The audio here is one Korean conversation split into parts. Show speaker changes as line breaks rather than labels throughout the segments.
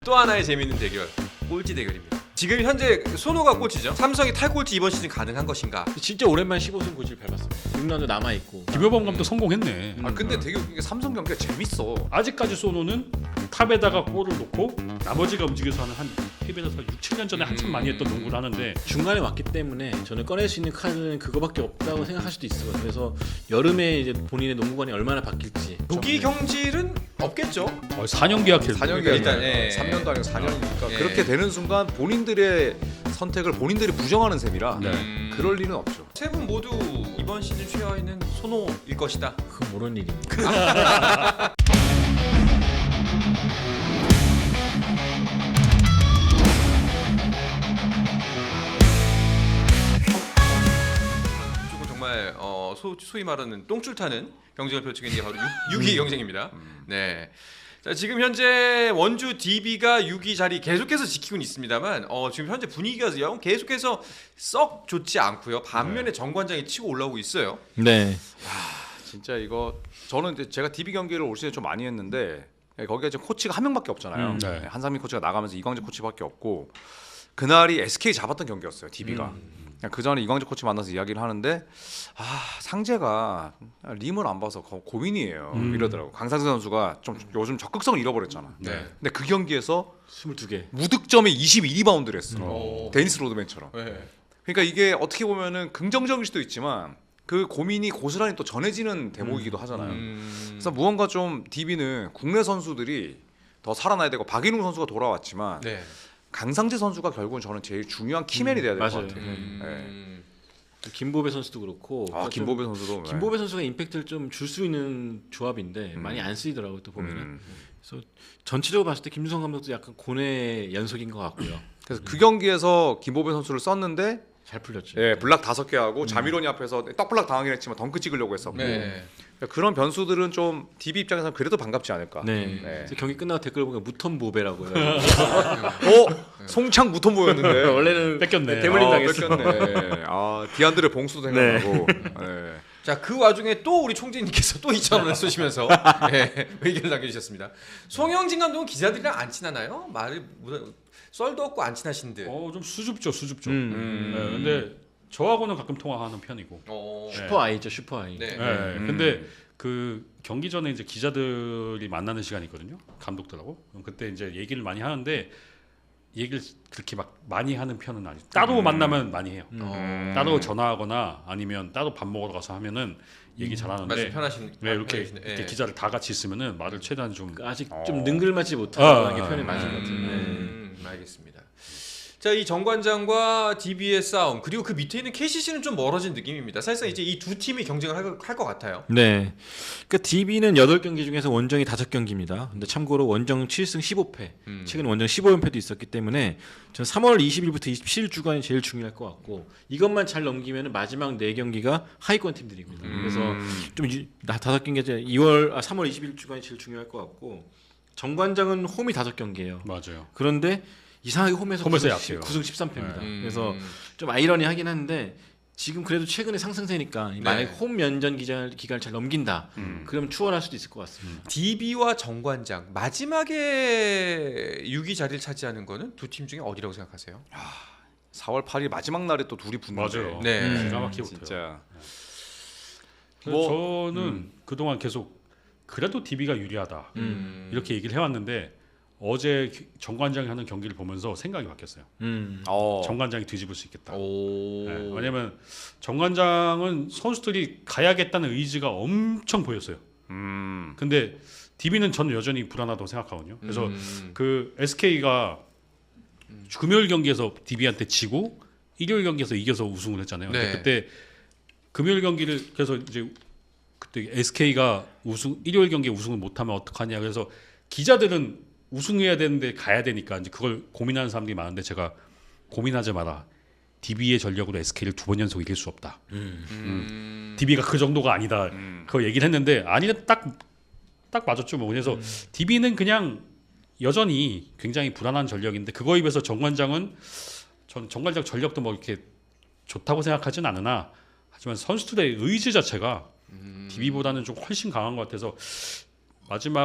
또 하나의 재미있는 대결, 꼴찌 대결입니다. 지금 현재 손호가 꼴찌죠. 삼성이 탈꼴찌 이번 시즌 가능한 것인가?
진짜 오랜만에 15승 고지를 밟았습니다. 6라운드 남아있고
김효범 감독 성공했네.
아 근데 되게 웃긴 게 삼성 경기가 재밌어.
아직까지 소노는 탑에다가 골을 놓고 나머지가 움직여서 하는 한 KBL에서 6, 7년 전에 한참 많이 했던 농구를 하는데
중간에 왔기 때문에 저는 꺼낼 수 있는 카드는 그거밖에 없다고 생각할 수도 있을 것 같아요. 그래서 여름에 이제 본인의 농구관이 얼마나 바뀔지
조기 경질은 없겠죠.
4년 계약했는데
4년
일단,
일단
예.
3년도 아니고 4년이니까
예.
그렇게 되는 순간 본인들의 선택을 본인들이 부정하는 셈이라 그럴 리는 없죠.
세 분 모두 이번 시즌 최하위는 손호일 것이다.
그건 모르는 일입니다.
조금 정말 소위 말하는 똥줄 타는 경쟁을 펼치고 있는 게 바로 6위 경쟁입니다. 네. 자, 지금 현재 원주 DB가 6위 자리 계속해서 지키고 있습니다만 지금 현재 분위기가 계속해서 썩 좋지 않고요. 반면에 정관장이 치고 올라오고 있어요.
네.
진짜 이거 저는 이제 제가 DB 경기를 올 시즌 좀 많이 했는데 거기가 이제 코치가 한 명밖에 없잖아요.
네.
한상민 코치가 나가면서 이광재 코치밖에 없고 그날이 SK 잡았던 경기였어요. DB가. 그 전에 이광재 코치 만나서 이야기를 하는데 상재가 림을 안 봐서 고민이에요. 이러더라고. 강상재 선수가 좀 요즘 적극성을 잃어버렸잖아.
네.
근데 그 경기에서
22개.
무득점에 22리바운드를 했어.
오.
데니스 로드맨처럼.
네.
그러니까 이게 어떻게 보면은 긍정적일 수도 있지만 그 고민이 고스란히 또 전해지는 대목이기도 하잖아요. 그래서 무언가 좀 DB는 국내 선수들이 더 살아나야 되고 박인웅 선수가 돌아왔지만
네.
강상재 선수가 결국은 저는 제일 중요한 키맨이 돼야 될 것
맞아요.
같아요.
김보배 선수도 그렇고
김보배 선수도
김보배 선수가 임팩트를 좀 줄 수 있는 조합인데 많이 안 쓰이더라고요. 또 보면은. 그래서 전체적으로 봤을 때 김주성 감독도 약간 고뇌 연속인 것 같고요.
그래서 그 경기에서 김보배 선수를 썼는데
잘 풀렸죠.
예, 블락 5개 하고 자미론이 앞에서 떡블락 당하긴 했지만 덩크 찍으려고 했었고
네.
그러니까 그런 변수들은 좀 DB 입장에서는 그래도 반갑지 않을까.
네.
네.
그래서 경기 끝나고 댓글 보니까 무턴 보배라고요.
송창 무톤 보였는데
원래는
뺏겼네.
대물림 당했어.
뺏겼네. 디안드레 봉수도 생각나고. 네.
자, 그 와중에 또 우리 총재님께서 또 2,000원을 쏘시면서 의견을 남겨주셨습니다. 송영진 감독은 기자들이랑 안 친하나요? 말을 썰도 없고 안 친하신데.
좀 수줍죠. 네, 근데 저하고는 가끔 통화하는 편이고.
슈퍼 아이죠, 슈퍼 아이.
네.
네, 근데 그 경기 전에 이제 기자들이 만나는 시간이 있거든요. 감독들하고. 그럼 그때 이제 얘기를 많이 하는데 얘기를 그렇게 막 많이 하는 편은 아니죠. 따로 만나면 많이 해요. 따로 전화하거나 아니면 따로 밥 먹으러 가서 하면은 얘기 잘하는데.
말씀 편하신.
네, 이렇게
네.
기자들 다 같이 있으면은 말을 최대한 좀
아직 좀 능글맞지 못하는 게 표현이 맞은 것 같아요.
알겠습니다. 자, 이 정관장과 DB의 싸움 그리고 그 밑에 있는 KCC는 좀 멀어진 느낌입니다. 사실상 이제 이 두 팀이 경쟁을 할 것 같아요.
네. 그러니까 DB는 8경기 중에서 원정이 5경기입니다. 근데 참고로 원정 7승 15패. 최근 원정 15연패도 있었기 때문에 저는 3월 20일부터 27일 주간이 제일 중요할 것 같고 이것만 잘 넘기면 마지막 4경기가 하위권 팀들입니다. 그래서 좀 5경기 3월 20일 주간이 제일 중요할 것 같고 정관장은 홈이 5경기예요.
맞아요.
그런데 이상하게 홈에서
약해요.
9승 13패입니다. 그래서 좀 아이러니하긴 한데 지금 그래도 최근에 상승세니까 만약에 홈 연전 기간을 잘 넘긴다. 그러면 추월할 수도 있을 것 같습니다.
DB와 정관장 마지막에 6위 자리를 차지하는 거는 두 팀 중에 어디라고 생각하세요?
4월 8일 마지막 날에 또 둘이 붙는데.
맞아요.
네.
기가 막히게 붙어요.
진짜.
저는 그동안 계속 그래도 DB가 유리하다 이렇게 얘기를 해왔는데 어제 정관장이 하는 경기를 보면서 생각이 바뀌었어요. 정관장이 뒤집을 수 있겠다. 네, 왜냐면 정관장은 선수들이 가야겠다는 의지가 엄청 보였어요. 근데 DB는 저는 여전히 불안하다고 생각하거든요. 그래서 그 SK가 금요일 경기에서 DB한테 지고 일요일 경기에서 이겨서 우승을 했잖아요.
네.
근데 그때 금요일 경기를 그래서 이제 그때 SK가 일요일 경기에 우승을 못하면 어떡하냐. 그래서 기자들은 우승해야 되는데 가야 되니까 이제 그걸 고민하는 사람들이 많은데 제가 고민하지 마라. DB의 전력으로 SK를 2번 연속 이길 수 없다. DB가 그 정도가 아니다. 그거 얘기를 했는데 아니다 딱 맞았죠. 뭐. 그래서 DB는 그냥 여전히 굉장히 불안한 전력인데 그거에 비해서 정관장은 전 정관장 전력도 뭐 이렇게 좋다고 생각하진 않으나 하지만 선수들의 의지 자체가 DB보다는 좀 훨씬 강한 것 같아서 마지막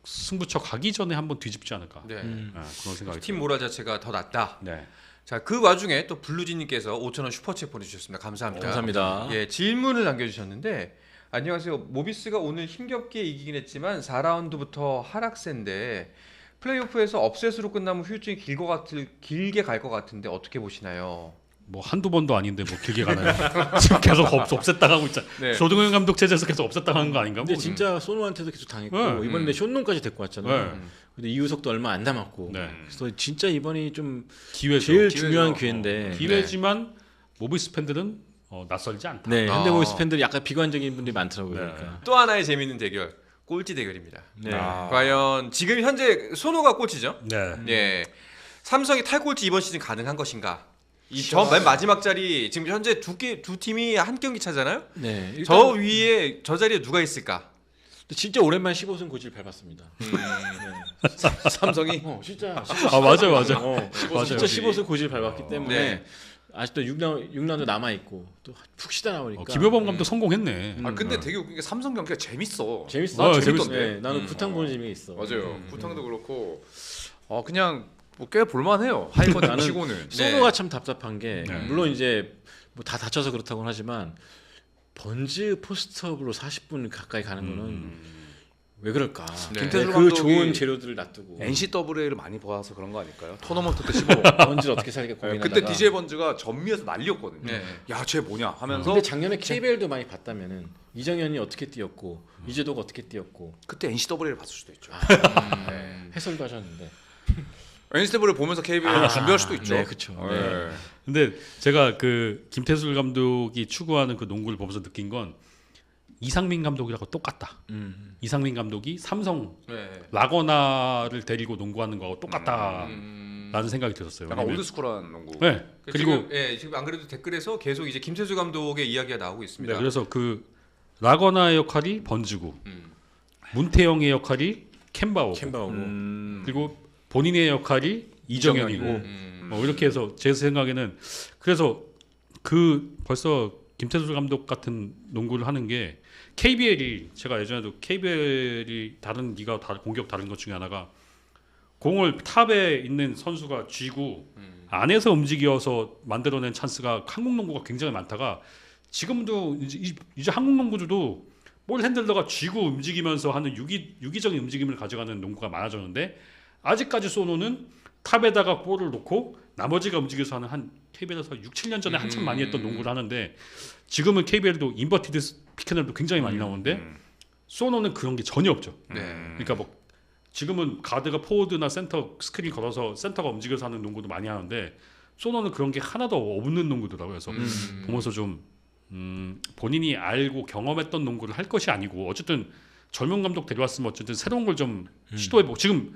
승부처 가기 전에 한번 뒤집지 않을까.
네.
그런 생각이
팀 모랄 자체가 더 낫다.
네.
자, 그 와중에 또 블루진님께서 5,000원 슈퍼챗 보내주셨습니다. 감사합니다.
감사합니다.
예, 질문을 남겨주셨는데 안녕하세요. 모비스가 오늘 힘겹게 이기긴 했지만 4라운드부터 하락세인데 플레이오프에서 업셋으로 끝나면 후유증이 길게 갈 것 같은데 어떻게 보시나요?
뭐 한두 번도 아닌데 뭐 길게 가나요? 지금 계속 없앴당하고 있잖아.
네.
조동현 감독 체제에서 계속 없앴당하는 거 아닌가?
근데
뭐.
진짜 소노한테도 계속 당했고
네.
이번에 쇼농까지 데리고 왔잖아요.
네.
근데 이우석도 얼마 안 남았고.
네.
그래서 진짜 이번이 좀
기회죠.
제일
기회죠.
중요한 기회인데.
기회지만 모비스 팬들은 낯설지 않다.
네,
아.
현대모비스 팬들이 약간 비관적인 분들이 많더라고요.
네.
그러니까.
또 하나의 재밌는 대결, 꼴찌 대결입니다.
네.
과연 지금 현재 소노가 꼴찌죠?
네.
예. 삼성이 탈꼴찌 이번 시즌 가능한 것인가? 이 저 맨 마지막 자리 지금 현재 두 팀이 한 경기 차잖아요.
네. 일단
저 위에 저 자리에 누가 있을까?
진짜 오랜만에 15승 고지를 밟았습니다. 네.
삼성이
진짜
아 맞아요.
맞아요.
맞아요.
진짜 15승 고지를 밟았기 때문에
네.
아직도 6라운드 남아 있고 또 푹 쉬다 나오니까
김효범 감독 성공했네.
근데 되게 웃긴 게 삼성 경기가 재밌어.
재밌어.
아,
재밌던데.
네, 나는 구탕 보는 재미가 있어.
맞아요. 구탕도 그렇고 그냥 뭐 꽤 볼만해요. 하이컨
나는
치고는.
소노가 참 답답한 게
네.
물론 이제 뭐 다 다쳐서 그렇다고는 하지만 번즈 포스트업으로 40분 가까이 가는 거는 왜 그럴까?
네.
김태수 그
감독이
좋은 재료들을 놔두고
NCAA를 많이 봐서 그런 거 아닐까요? 토너먼트 때 15.
번즈를 어떻게 살게 고민하다가
그때 DJ 번즈가 전미에서 난리였거든요.
네.
야, 쟤 뭐냐 하면서
근데 작년에 KBL도 많이 봤다면은 이정현이 어떻게 뛰었고 이재도가 어떻게 뛰었고
그때 NCAA를 봤을 수도 있죠.
해설도 하셨는데
NCAA를 보면서 KBL을 준비할 수도 있죠.
네, 그렇죠.
네.
근데 제가 그 김태술 감독이 추구하는 그 농구를 보면서 느낀 건 이상민 감독이라고 똑같다. 이상민 감독이 삼성
네.
라거나를 데리고 농구하는 거하고 똑같다라는 생각이 들었어요.
약간
왜냐면-
올드스쿨한 농구.
네. 그리고
지금 안 그래도 댓글에서 계속 이제 김태수 감독의 이야기가 나오고 있습니다.
네, 그래서 그 라거나의 역할이 번지고
음.
문태영의 역할이 캔바오고
캠바오고
그리고 본인의 역할이 이정현이고 뭐 이렇게 해서 제 생각에는 그래서 그 벌써 김태술 감독 같은 농구를 하는 게 KBL이 제가 예전에도 KBL이 다른 리가 공격 다른 것 중에 하나가 공을 탑에 있는 선수가 쥐고 안에서 움직여서 만들어낸 찬스가 한국 농구가 굉장히 많다가 지금도 이제 한국 농구들도 볼 핸들러가 쥐고 움직이면서 하는 유기적인 움직임을 가져가는 농구가 많아졌는데 아직까지 소노는 탑에다가 볼을 놓고 나머지가 움직여서 하는 한 KBL에서 6, 7년 전에 한참 많이 했던 농구를 하는데 지금은 KBL도 인버티드 피켓널도 굉장히 많이 나오는데 소노는 그런 게 전혀 없죠.
네.
그러니까 뭐 지금은 가드가 포워드나 센터 스크린 걸어서 센터가 움직여서 하는 농구도 많이 하는데 소노는 그런 게 하나도 없는 농구더라고요. 그래서 보면서 좀 본인이 알고 경험했던 농구를 할 것이 아니고 어쨌든 젊은 감독 데려왔으면 어쨌든 새로운 걸 좀 시도해보고 지금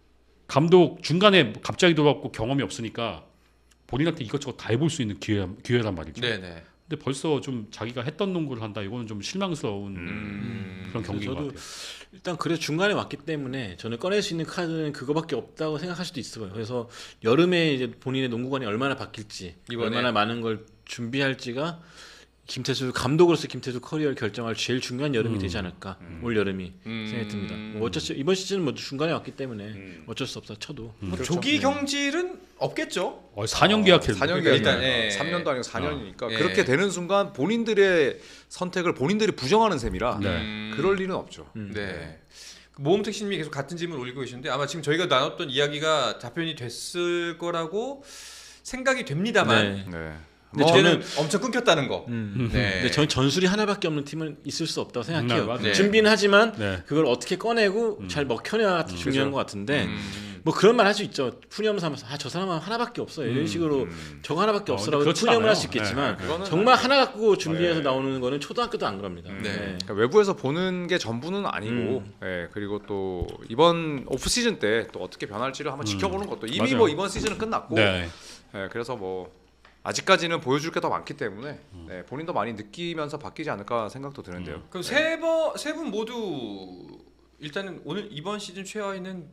감독 중간에 갑자기 돌아왔고 경험이 없으니까 본인한테 이것저것 다 해볼 수 있는 기회란 말이죠.
네네.
근데 벌써 좀 자기가 했던 농구를 한다 이거는 좀 실망스러운 그런 경기인 것
저도
같아요.
일단 그래 중간에 왔기 때문에 저는 꺼낼 수 있는 카드는 그거밖에 없다고 생각할 수도 있어요. 그래서 여름에 이제 본인의 농구관이 얼마나 바뀔지,
이번에.
얼마나 많은 걸 준비할지가 김태수 감독으로서 김태수 커리어를 결정할 제일 중요한 여름이 되지 않을까 올 여름이 생각이 듭니다. 뭐 어차피 이번 시즌은 뭐 중간에 왔기 때문에 어쩔 수 없다 쳐도
뭐 조기 경질은 없겠죠.
4년 계약했는데
4년
일단, 예.
3년도 아니고 4년이니까
예.
그렇게 되는 순간 본인들의 선택을 본인들이 부정하는 셈이라 그럴 리는 없죠.
네. 모험택시님이 계속 같은 질문 올리고 계시는데 아마 지금 저희가 나눴던 이야기가 답변이 됐을 거라고 생각이 됩니다만
네.
네.
근데
저는 엄청 끊겼다는 거. 네.
근데 전 전술이 하나밖에 없는 팀은 있을 수 없다고 생각해요.
맞아요.
네.
준비는 하지만
네.
그걸 어떻게 꺼내고 잘 먹혀내야 중요한 것 같은데
음.
뭐 그런 말 할 수 있죠. 푸념 삼아서 저 사람은 하나밖에 없어요. 이런 식으로 저거 하나밖에 없어라고
그렇진
푸념을 할
않아요.
수 있겠지만
네.
그거는
정말 하나 갖고 준비해서
네.
나오는 거는 초등학교도 안 그럽니다.
네.
그러니까 외부에서 보는 게 전부는 아니고, 예, 그리고 또 이번 오프 시즌 때 또 어떻게 변할지를 한번 지켜보는 것도 이미
맞아요.
뭐 이번 시즌은 끝났고,
네.
예, 그래서 뭐 아직까지는 보여줄 게 더 많기 때문에 네, 본인도 많이 느끼면서 바뀌지 않을까 생각도 드는데요.
그럼 세 분 모두 일단은 오늘 이번 시즌 최하위는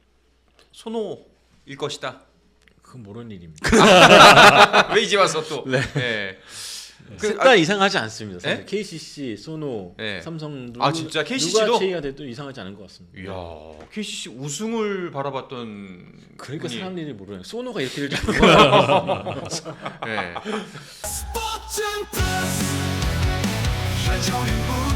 손호일 것이다.
그건 모르는 일입니다.
왜 이제 와서 또?
네.
네.
셋다 이상하지 않습니다. 사실
네?
KCC, 소노,
네.
삼성
아, 진짜 KCC 도?
누가 제의가 돼도 이상하지 않은 것 같습니다.
이야, KCC 우승을 바라봤던
그러니까
분이-
사람들이 모르는 소노가 이렇게 될 줄 몰라요.
네.
스포츠 플러스 최종의